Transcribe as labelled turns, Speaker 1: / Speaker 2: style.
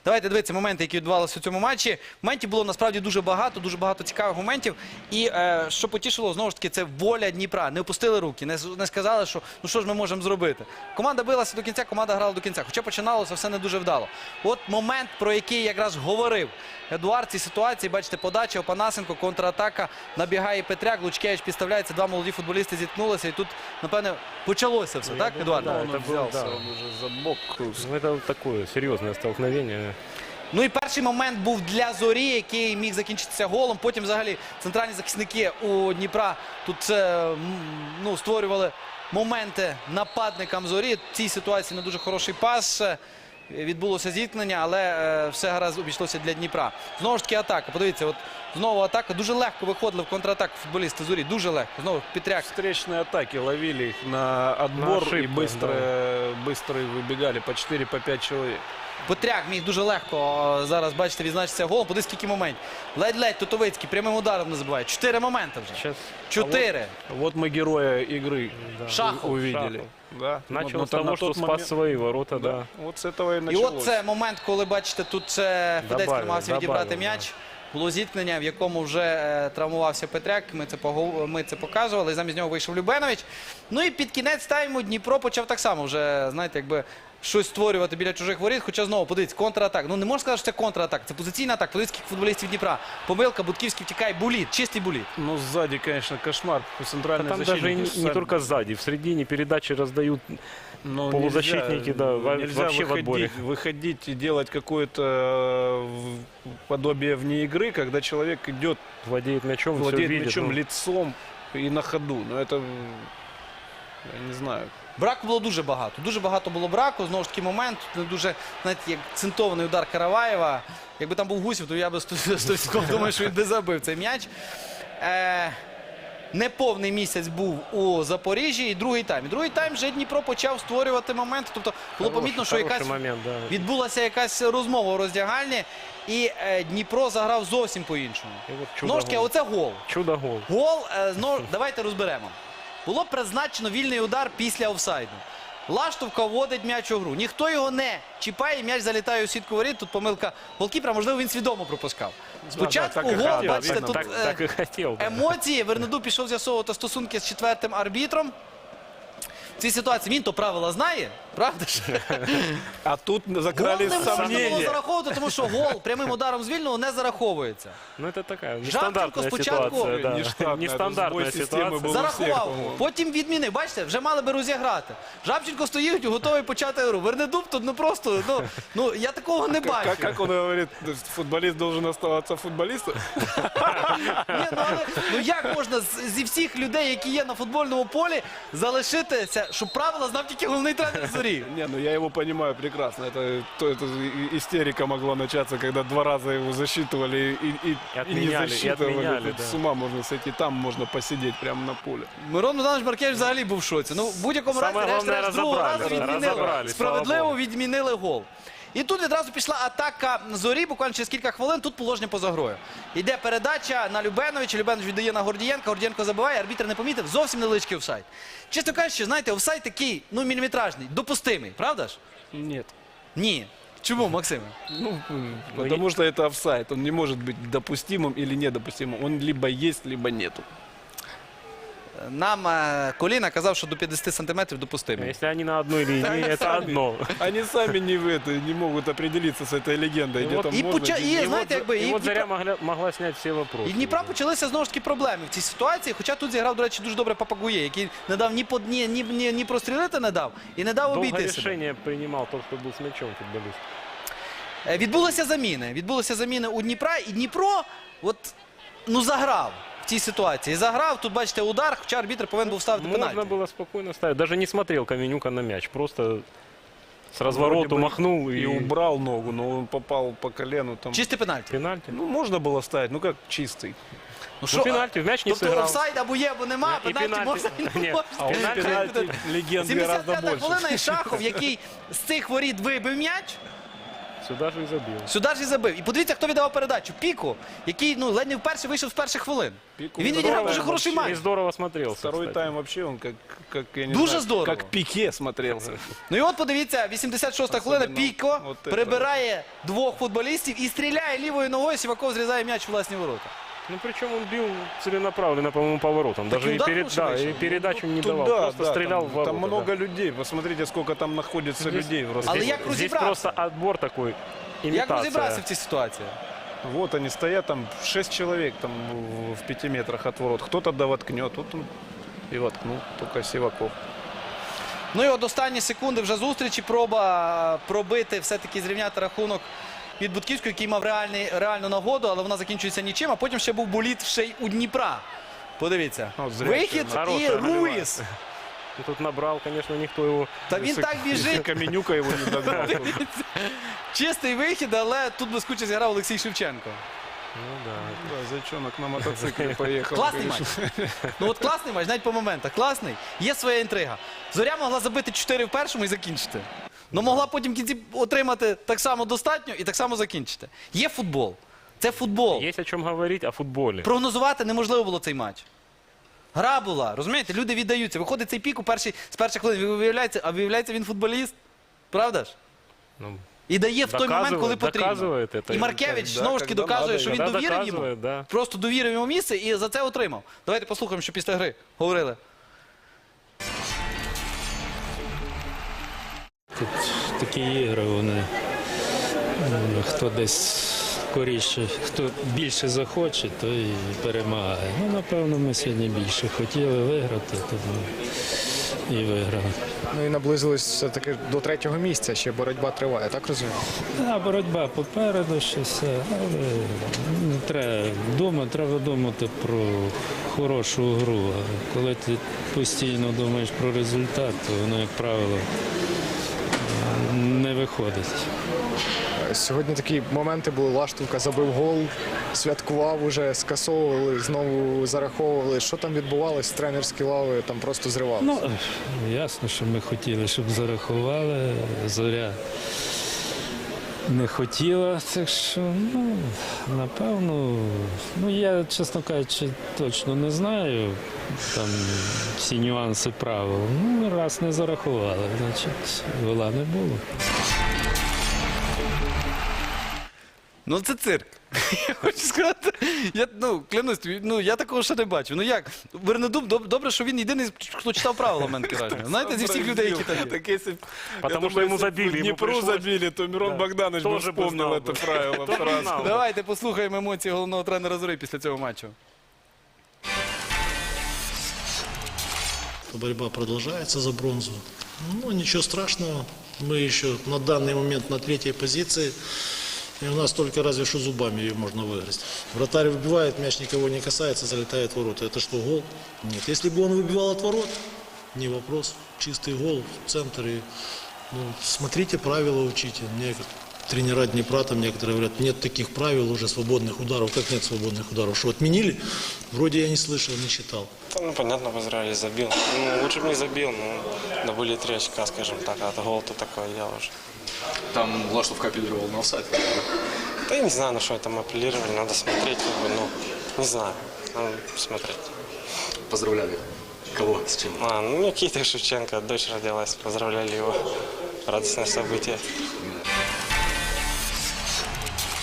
Speaker 1: Давайте дивитися моменти, які відбувалися у цьому матчі. Моментів було насправді дуже багато цікавих моментів. І що потішило, знову ж таки, це воля Дніпра. Не опустили руки, не сказали, що ну що ж ми можемо зробити. Команда билася до кінця, команда грала до кінця. Хоча починалося все не дуже вдало. От момент, про який якраз говорив Едуард в цій ситуації. Бачите, подача, Опанасенко, контратака, набігає Петряк, Лучкевич підставляється, два молоді футболісти зіткнулися. І тут, напевне, почалося все, так, Едуард?
Speaker 2: Да,
Speaker 3: Он взялся, он уже за бок.
Speaker 2: Ну, это вот такое серьезное столкновение.
Speaker 1: Ну і перший момент був для Зорі, який міг закінчитися голом. Потім взагалі центральні захисники у Дніпра тут створювали моменти нападникам Зорі. В цій ситуації не дуже хороший пас. Відбулося зіткнення, але все гаразд обійшлося для Дніпра. Знову ж таки атака. Подивіться, от знову атака. Дуже легко виходили в контратаку футболісти Зорі. Дуже легко. Знову Петряк.
Speaker 3: Встречные атаки ловили их на отбор
Speaker 2: ошибку,
Speaker 3: и быстро выбегали по 4-5 человек.
Speaker 1: Петряк міг дуже легко зараз, бачите, відзначитися голом. Подивіться, скільки моментів. Ледь-ледь Тотовицький прямим ударом не забиває. 4 моменти вже.
Speaker 2: Сейчас
Speaker 1: 4.
Speaker 3: Вот мы героя игры
Speaker 1: Шахов.
Speaker 3: увидели.
Speaker 2: Шахов.
Speaker 3: Да.
Speaker 2: начал
Speaker 3: Вот
Speaker 2: с того,
Speaker 3: на
Speaker 2: что
Speaker 3: тот
Speaker 2: спас
Speaker 3: момент-
Speaker 2: свои ворота, да.
Speaker 3: Вот с этого и
Speaker 1: І
Speaker 3: началось.
Speaker 1: от це момент, коли, бачите, тут Федецький
Speaker 2: Добавив,
Speaker 1: намагався відібрати
Speaker 2: добавив,
Speaker 1: м'яч. Було зіткнення, в якому вже травмувався Петряк. Ми це показували. І замість нього вийшов Любенович. Ну і під кінець тайму Дніпро почав так само вже, знаєте, якби щось створювати біля чужих воріт. Хоча знову, подивіться, контратак. Ну не можна сказати, що це контратак. Це позиційна атака. Подивіться, скільки футболістів Дніпра. Помилка, Будківський втікає. Буліт, чистий буліт.
Speaker 3: Ну, сзади, конечно, кошмар.
Speaker 2: Да
Speaker 3: Центральный
Speaker 2: там
Speaker 3: защитник.
Speaker 2: даже и не только сзади, в середине передачи раздают.
Speaker 3: Но
Speaker 2: полузащитники, да, вообще в отборе.
Speaker 3: Выходить и делать какое-то подобие вне игры, когда человек идет,
Speaker 2: Владеет мячом, все
Speaker 3: владеет
Speaker 2: видит.
Speaker 3: мячом
Speaker 2: ну.
Speaker 3: лицом и на ходу. Но это, я не знаю.
Speaker 1: Браку було дуже багато. Дуже багато було браку. Знову ж таки момент. Не дуже, знаєте, як центований удар Караваєва. Якби там був Гусів, то я би 100% думаю, що він би забив цей м'яч. Неповний місяць був у Запоріжжі і другий тайм. І другий тайм вже Дніпро почав створювати моменти. Тобто було помітно, що
Speaker 2: Хороший
Speaker 1: якась
Speaker 2: момент, да.
Speaker 1: відбулася якась розмова у роздягальні. І Дніпро заграв зовсім по-іншому.
Speaker 2: І от
Speaker 1: Знову ж таки,
Speaker 2: чудо-гол.
Speaker 1: оце гол.
Speaker 2: Чудо-гол.
Speaker 1: Гол, знову, давайте розберемо. Було призначено вільний удар після офсайду. Лаштовка вводить м'яч у гру. Ніхто його не чіпає, м'яч залітає у сітку воріт. Тут помилка голкіпера, можливо, він свідомо пропускав. Спочатку
Speaker 3: так і
Speaker 1: гол,
Speaker 3: хотів,
Speaker 1: бачите,
Speaker 3: видно,
Speaker 1: тут
Speaker 2: Так и хотел. да.
Speaker 1: емоції. Вернеду пішов з'ясовувати стосунки з четвертим арбітром. В цій ситуації він то правила знає, правда ж?
Speaker 3: А тут
Speaker 1: Гол
Speaker 3: закрались
Speaker 1: не можна було
Speaker 3: сомнения.
Speaker 1: зараховувати, тому що гол прямим ударом з вільного не зараховується.
Speaker 2: Ну это такая
Speaker 1: Жабченко
Speaker 2: нестандартная
Speaker 1: спочатку-
Speaker 2: ситуация. Да.
Speaker 3: Нештатная,
Speaker 2: Нестандартная
Speaker 3: это сбой системы
Speaker 2: ситуация.
Speaker 3: был.
Speaker 1: Зарахував,
Speaker 3: по-моему.
Speaker 1: потім відмінив. Бачите, вже мали би розіграти. Жабченко стоїть, готовий почати гру. Вернедуб тут ну просто, ну я такого не бачу.
Speaker 3: Как он говорит, футболист должен оставаться футболистом?
Speaker 1: Ні, ну як можна зі всіх людей, які є на футбольному полі, залишитися, щоб правила знав тільки головний тренер Зорі?
Speaker 3: Не, ну я его понимаю прекрасно. Это истерика могла начаться, когда 2 раза его засчитывали и не
Speaker 2: отменяли,
Speaker 3: засчитывали.
Speaker 2: отменяли,
Speaker 3: Тут
Speaker 2: да.
Speaker 3: с ума можно сойти, там можно посидеть прямо на поле.
Speaker 1: Мирон Богданович Маркевич взагалі був в шоці. Ну, в будь-якому разі,
Speaker 2: Саме головне,
Speaker 1: решт другого разу
Speaker 2: розібрали,
Speaker 1: відмінили.
Speaker 2: розібрали, слава
Speaker 1: Справедливо
Speaker 2: Богу.
Speaker 1: відмінили гол. І тут відразу пішла атака Зорі, буквально через кілька хвилин, тут положення поза грою. Йде передача на Любеновича, Любенович віддає на Гордієнка, Гордієнко забиває, арбітр не помітив, зовсім невеличкий офсайд. Чесно кажучи, знаєте, офсайд такий, ну, міліметражний, допустимий, правда ж?
Speaker 3: Нет.
Speaker 1: Ні. Чому, Максиме?
Speaker 3: Ну, потому что это офсайд. Он не может быть допустимым или недопустимым. Он либо есть, либо нету.
Speaker 1: Нам Коліна казав, що до 50 сантиметрів допустимий.
Speaker 2: Если они на одной линии, это одно.
Speaker 3: Они сами не могут определиться с этой легендой. Где
Speaker 2: вот
Speaker 3: там
Speaker 1: і
Speaker 3: можно,
Speaker 1: поча-
Speaker 3: где
Speaker 1: і,
Speaker 3: нельзя.
Speaker 1: знаєте, якби,
Speaker 2: И
Speaker 1: і
Speaker 2: вот
Speaker 1: Дніпро-
Speaker 2: Заря могла снять все вопросы.
Speaker 1: І в Дніпра почалися знову ж таки проблеми в цій ситуації. Хоча тут зіграв, до речі, дуже добре Папагує, який не дав ні прострілити не дав і не дав
Speaker 2: Долго
Speaker 1: обійти себе.
Speaker 2: решение принимал тот, кто был с мячом футболист.
Speaker 1: Відбулися заміни у Дніпра, і Дніпро от, ну, заграв в цій ситуації. Заграв, тут бачите удар, хоча арбітр повинен був ставити
Speaker 2: Можно
Speaker 1: пенальті.
Speaker 2: было спокойно ставить. Даже не смотрел Каменюка на мяч. Просто с
Speaker 3: Вроде
Speaker 2: развороту
Speaker 3: бы
Speaker 2: махнул
Speaker 3: и
Speaker 2: и
Speaker 3: убрал ногу, но он попал по колену. Там...
Speaker 1: Чистий пенальті.
Speaker 2: пенальти.
Speaker 3: Ну, можно было ставить, ну как чистый.
Speaker 1: Ну,
Speaker 2: Ну, пенальти, в мяч не
Speaker 1: тобто
Speaker 2: сыграл.
Speaker 1: офсайд або є, або нема,
Speaker 2: І
Speaker 1: пенальті
Speaker 2: пенальті.
Speaker 1: можна і не
Speaker 2: Ні,
Speaker 1: можна.
Speaker 3: А он
Speaker 2: Пенальти-
Speaker 3: пенальти легенд гораздо
Speaker 1: 75-та
Speaker 3: больше.
Speaker 1: хвилина і Шахов, який з цих воріт вибив м'яч.
Speaker 2: Сюда же и забил.
Speaker 1: Сюди ж і забив. І подивіться, хто віддавав передачу. Піку, який ледь не вперше вийшов з перших хвилин.
Speaker 3: Піку
Speaker 1: І він
Speaker 3: здорово,
Speaker 1: відіграв дуже хороший
Speaker 2: И
Speaker 1: матч.
Speaker 2: здорово смотрелся,
Speaker 3: Второй
Speaker 2: кстати.
Speaker 3: тайм вообще он как я не
Speaker 1: Дуже
Speaker 3: знаю,
Speaker 1: здорово.
Speaker 3: как Пике смотрелся.
Speaker 1: Ну і от подивіться, 86-та хвилина,
Speaker 3: Особливо
Speaker 1: Піко
Speaker 3: от це.
Speaker 1: прибирає двох футболістів і стріляє лівою ногою, Сіваков зрізає м'яч у власні ворота.
Speaker 2: Ну, причем он бил целенаправленно, по-моему, поворотом.
Speaker 1: Так
Speaker 2: Даже
Speaker 1: и
Speaker 2: и,
Speaker 1: удар лучше вышел.
Speaker 2: и передачу не
Speaker 3: Тут
Speaker 2: давал.
Speaker 3: да,
Speaker 2: Просто
Speaker 3: да,
Speaker 2: стрелял в
Speaker 3: там,
Speaker 2: ворота.
Speaker 3: там
Speaker 2: да.
Speaker 3: много людей. Посмотрите, сколько там находится людей. В
Speaker 1: Але
Speaker 3: Ростове.
Speaker 1: як
Speaker 2: Здесь
Speaker 1: розібрався?
Speaker 2: просто отбор такой,
Speaker 1: Як
Speaker 2: имитация.
Speaker 1: розібрався в цій ситуації?
Speaker 3: Вот они стоят, там 6 человек там в 5 метрах от ворот. Кто-то да воткнет, тут он и воткнул, только Сиваков.
Speaker 1: Ну і от останні секунди вже зустрічі, проба пробити, все-таки зрівняти рахунок від Будківського, який мав реальну нагоду, але вона закінчується нічим, а потім ще був боліт ще й у Дніпра. Подивіться.
Speaker 3: От зря
Speaker 1: Вихід і
Speaker 2: Хорошая
Speaker 1: Руїс.
Speaker 2: Ну, тут набрал, конечно, никто его...
Speaker 1: Та він так біжить.
Speaker 3: Каменюка его не догнал.
Speaker 1: Чистий вихід, але тут блискуче зіграв Олексій Шевченко.
Speaker 2: Ну, да.
Speaker 3: Да, зайчонок на мотоцикле поехал.
Speaker 1: Класний матч. Ну от класний матч, навіть по моментах. Класний. Є своя інтрига. Зоря могла забити 4 в першому і закінчити. Ну могла потім в кінці отримати так само достатньо і так само закінчити. Є футбол. Це футбол.
Speaker 2: Есть о чем говорить о футболе.
Speaker 1: Прогнозувати неможливо було цей матч. Гра була, розумієте, люди віддаються. Виходить цей пік з перших хвилин, виявляється він футболіст. Правда ж?
Speaker 2: Ну,
Speaker 1: І дає в той момент, коли потрібно.
Speaker 2: доказывает это.
Speaker 1: І Маркевич
Speaker 3: Да,
Speaker 1: знову ж таки
Speaker 3: когда
Speaker 1: доказує,
Speaker 3: надо,
Speaker 1: що він
Speaker 2: когда
Speaker 1: довірив йому.
Speaker 2: доказывает, да.
Speaker 1: Просто довірив йому місце і за це отримав. Давайте послухаємо, що після гри говорили.
Speaker 4: Тут такі ігри, вони хто десь скоріше, хто більше захоче, той і перемагає. Ну, напевно, ми сьогодні більше хотіли виграти, тому і виграли.
Speaker 5: Ну і наблизились все-таки до 3-го місця, ще боротьба триває, так розумію?
Speaker 4: А боротьба попереду ще все, але не треба думати про хорошу гру. А коли ти постійно думаєш про результат, то воно, як правило, не виходить.
Speaker 5: Сьогодні такі моменти були, Лаштовка забив гол, святкував уже, скасовували, знову зараховували. Що там відбувалось, тренерські лави там просто зривалися?
Speaker 4: Ну, ясно, що ми хотіли, щоб зарахували. Зоря не хотіла, так що, ну, напевно, ну, я, чесно кажучи, точно не знаю там всі нюанси правил. Ну, раз не зарахували, значить, гола не було.
Speaker 1: Ну це цирк. Я хочу сказати, клянусь, я такого ще не бачив. Ну як? Вернедуб, добре, що він єдиний, хто читав правила, в мене таке враження. Знаєте, зі всіх людей, які там є.
Speaker 3: Так если,
Speaker 2: Потому
Speaker 3: я
Speaker 2: что ему
Speaker 3: если
Speaker 2: забили,
Speaker 3: в
Speaker 2: ему
Speaker 3: Днепру
Speaker 2: пришлось.
Speaker 3: забили, то Мирон
Speaker 2: Да.
Speaker 3: Богданович бы
Speaker 2: Тоже бы
Speaker 3: вспомнил
Speaker 2: знал
Speaker 3: это
Speaker 2: бы.
Speaker 3: правило
Speaker 2: Тоже
Speaker 3: сразу.
Speaker 2: знал бы.
Speaker 1: Давайте послухаємо емоції головного тренера Зорі після цього матчу.
Speaker 6: Борьба продолжается за бронзу. Ну, ничего страшного. Мы еще на данный момент на 3-й позиции. И у нас только разве что зубами ее можно выиграть. Вратарь выбивает, мяч никого не касается, залетает в ворота. Это что, гол? Нет. Если бы он выбивал от ворот, не вопрос. Чистый гол в центр. И, ну, смотрите, правила учите. Мне тренера Днепра там некоторые говорят, нет таких правил уже свободных ударов. Как нет свободных ударов? Что, отменили? Вроде я не слышал, не читал.
Speaker 7: Да, ну, понятно, в Израиле забил. Ну, лучше бы не забил, но да были 3 очка, скажем так, а то гол-то такое дело уже.
Speaker 8: Там Лаштовка апеллировал на офсайд.
Speaker 7: Да я не знаю, на что там апеллировали, надо смотреть, как бы, ну, не знаю, надо смотреть.
Speaker 8: Поздравляли. Кого? С чем?
Speaker 7: Ну, Никита Шевченко, дочь родилась, поздравляли его. Радостное событие.